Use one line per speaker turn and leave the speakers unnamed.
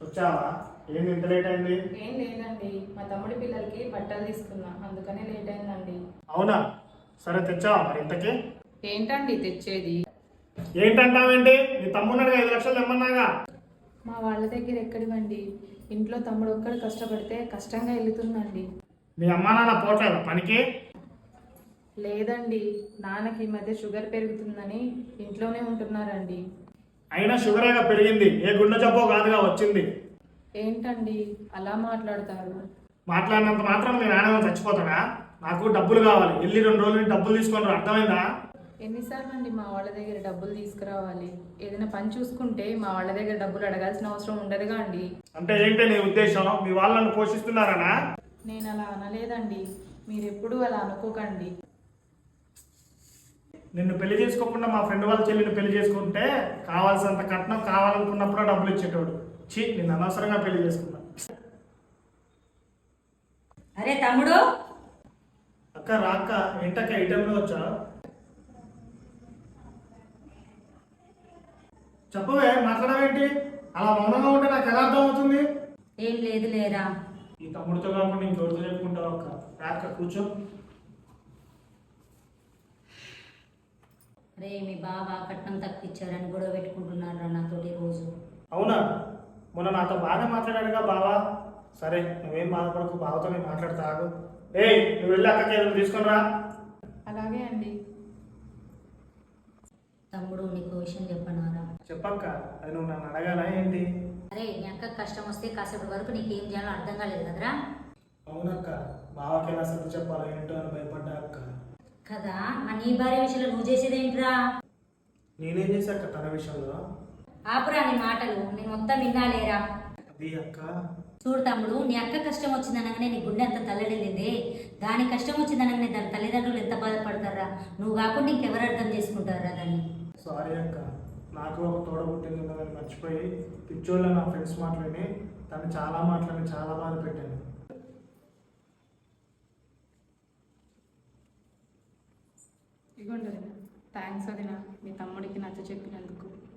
వచ్చావా? ఏంది ఇంత లేట్ అయింది?
ఏం లేదండి, మా తమ్ముడి పిల్లలకి బట్టలు తీసుకున్నా, అందుకనే లేట్ అయిందండి.
అవునా, సరే తెచ్చావా మరి ఇంతకీ?
ఏంటండి తెచ్చేది?
ఏంటంటావేంటి? నీ తమ్ముడు 5 లక్షలు తెమ్మన్నాగా.
మా వాళ్ళ దగ్గర ఎక్కడివండి, ఇంట్లో తమ్ముడు ఒక్కడు కష్టపడితే కష్టంగా వెళ్తుందండి.
మీ అమ్మా నాన్న పోవట్లేదా పనికి?
లేదండి, నాన్నకి ఈ మధ్య షుగర్ పెరుగుతుందని ఇంట్లోనే ఉంటున్నారండి.
అయినా షుగరేగా పెరిగింది, ఏ గుండె జబ్బో కాదుగా వచ్చింది.
ఏంటండి అలా మాట్లాడతారు?
మాట్లాడినంత మాత్రం మీ నాన్న చచ్చిపోతాడా? నాకు డబ్బులు కావాలి, వెళ్ళి 2 రోజులు డబ్బులు తీసుకొని అర్థమైందా?
ఎన్నిసార్లు అండి మా వాళ్ళ దగ్గర డబ్బులు తీసుకురావాలి? ఏదైనా పని చూసుకుంటే మా వాళ్ళ దగ్గర డబ్బులు అడగాల్సిన అవసరం ఉండదుగా అండి.
అంటే ఏంటి నీ ఉద్దేశం? మీ వాళ్ళను పోషిస్తున్నారనా?
నేను అలా అనలేదండి, మీరెప్పుడూ అలా అనుకోకండి.
నిన్ను పెళ్లి చేసుకోకుండా మా ఫ్రెండ్ వాళ్ళ చెల్లిని పెళ్లి చేసుకుంటే కావాల్సినంత కట్నం కావాలనుకున్నప్పుడు డబ్బులు ఇచ్చేటోడు. నిన్ను అనవసరంగా పెళ్లి చేసుకున్నా.
అరే తమ్ముడు,
అక్క రాక్క, ఏంటక్క ఈ టైంలో వచ్చా? చెప్పవే, మాట్లాడవేంటి? అలా మౌనంగా ఉంటే నాకు ఎలా అర్థం అవుతుంది?
ఏం లేదు లేరా.
ఈ తమ్ముడితో కాకుండా ఇంకెవరితో చెప్పుకుంటావు అక్క? రాక్క కూర్చో.
అరే మీ బావ కట్నం తప్పించారని గొడవ పెట్టుకుంటున్నారా నాతోటి రోజు.
అవునా? మొన్న నాతో బాగానే మాట్లాడాడుగా బావా. సరే నువ్వేం బాధపడకు, బావతో నేను మాట్లాడతా ఆగు. ఏయ్, నువ్వు వెళ్ళి అక్కకి ఏదైనా తీసుకొని రా.
అలాగే అండి.
తమ్ముడు నీకు విషయం చెప్పనారా?
చెప్పక్క, అది నువ్వు నన్ను అడగాలా ఏంటి?
అరే నీ అక్క కష్టం వస్తే కాసేపటి వరకు నీకేం చేయాలో అర్థం కాలేదు కదరా.
అవునక్క, బావకి ఎలా సర్ది చెప్పాలో ఏంటో అని భయపడ్డా అక్క.
కదా, ఆ నీ భార్య విషయంలో నువ్వు చేసేదేంట్రా?
నేనేం చేశాక తన విషయంలో?
ఆపురా నీ మాటలు, నేను మొత్తం వినాలేరా.
అది అక్క.
చూడు తమ్ముడు, నీ అక్క కష్టం వచ్చిందనగానే నీ గుండె అంత తల్లడిల్లింది. దాని కష్టం వచ్చిందనగానే దాని తల్లిదండ్రులు ఎంత బాధపడతారా? నువ్వు కాకుండా ఇంకెవరు అర్థం చేసుకుంటారా దాన్ని?
సారీ అక్క, నాకు ఒక తోడ పుట్టింది ఉన్నదని మర్చిపోయి పిచ్చోళ్ళ నా ఫ్రెండ్స్ మాటలని తను చాలా మాటలని చాలా బాధ పెట్టాను.
ఇగోండి వదిన, థ్యాంక్స్ వదిన, మీ తమ్ముడికి నచ్చ చెప్పినందుకు.